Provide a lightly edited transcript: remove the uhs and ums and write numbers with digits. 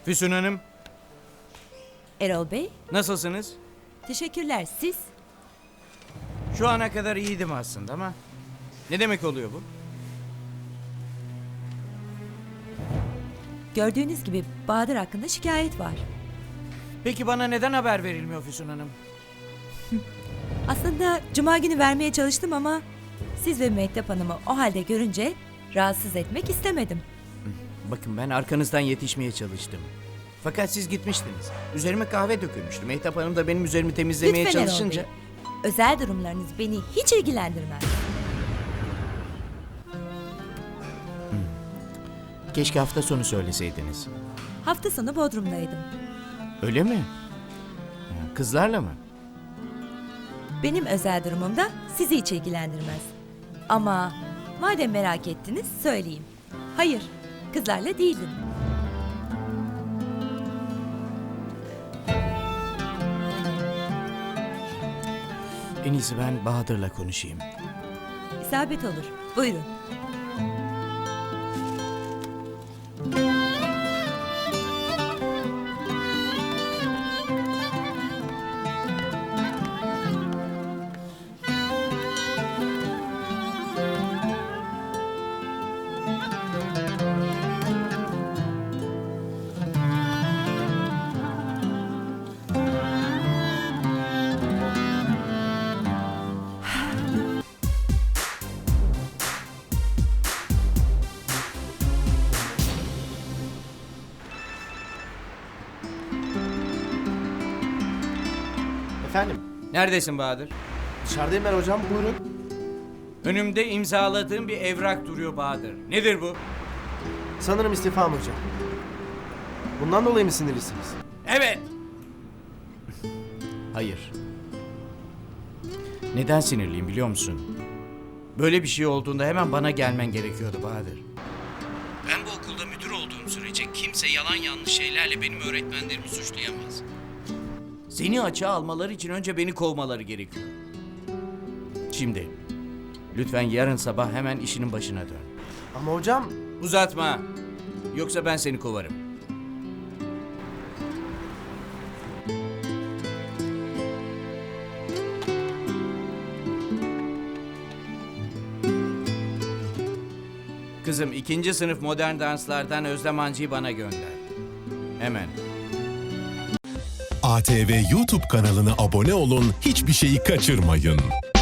Füsun Hanım, Erol Bey, nasılsınız? teşekkürler. Siz? Şu ana kadar iyiydim aslında ama ne demek oluyor bu? Gördüğünüz gibi Bahadır hakkında şikayet var. Peki bana neden haber verilmiyor Füsun Hanım? Aslında cuma günü vermeye çalıştım ama siz ve Mehtap Hanım'ı o halde görünce rahatsız etmek istemedim. Bakın ben arkanızdan yetişmeye çalıştım. Fakat siz gitmiştiniz. Üzerime kahve dökülmüştü. Mehtap Hanım da benim üzerimi temizlemeye Lütfen Erol çalışınca... Bey. Özel durumlarınız beni hiç ilgilendirmez. Keşke hafta sonu söyleseydiniz. Hafta sonu Bodrum'daydım. Öyle mi? Kızlarla mı? Benim özel durumum da sizi hiç ilgilendirmez. Ama madem merak ettiniz söyleyeyim. Hayır, kızlarla değildim. En iyisi ben Bahadır'la konuşayım. İsabet olur. Buyurun. Efendim, Neredesin Bahadır? dışarıdayım ben hocam, buyurun. Önümde imzaladığım bir evrak duruyor Bahadır. Nedir bu? Sanırım istifam hocam. Bundan dolayı mı sinirlisiniz? Evet. Hayır. Neden sinirliyim biliyor musun? Böyle bir şey olduğunda hemen bana gelmen gerekiyordu Bahadır. Ben bu okulda müdür olduğum sürece kimse yalan yanlış şeylerle benim öğretmenlerimi suçlayamaz. Seni açığa almaları için önce beni kovmaları gerekiyor. Şimdi lütfen yarın sabah hemen işinin başına dön. Ama hocam, Uzatma. Yoksa ben seni kovarım. Kızım 2. sınıf modern danslardan Özlem Hancı'yı bana gönder. Hemen. ATV YouTube kanalına abone olun, hiçbir şeyi kaçırmayın.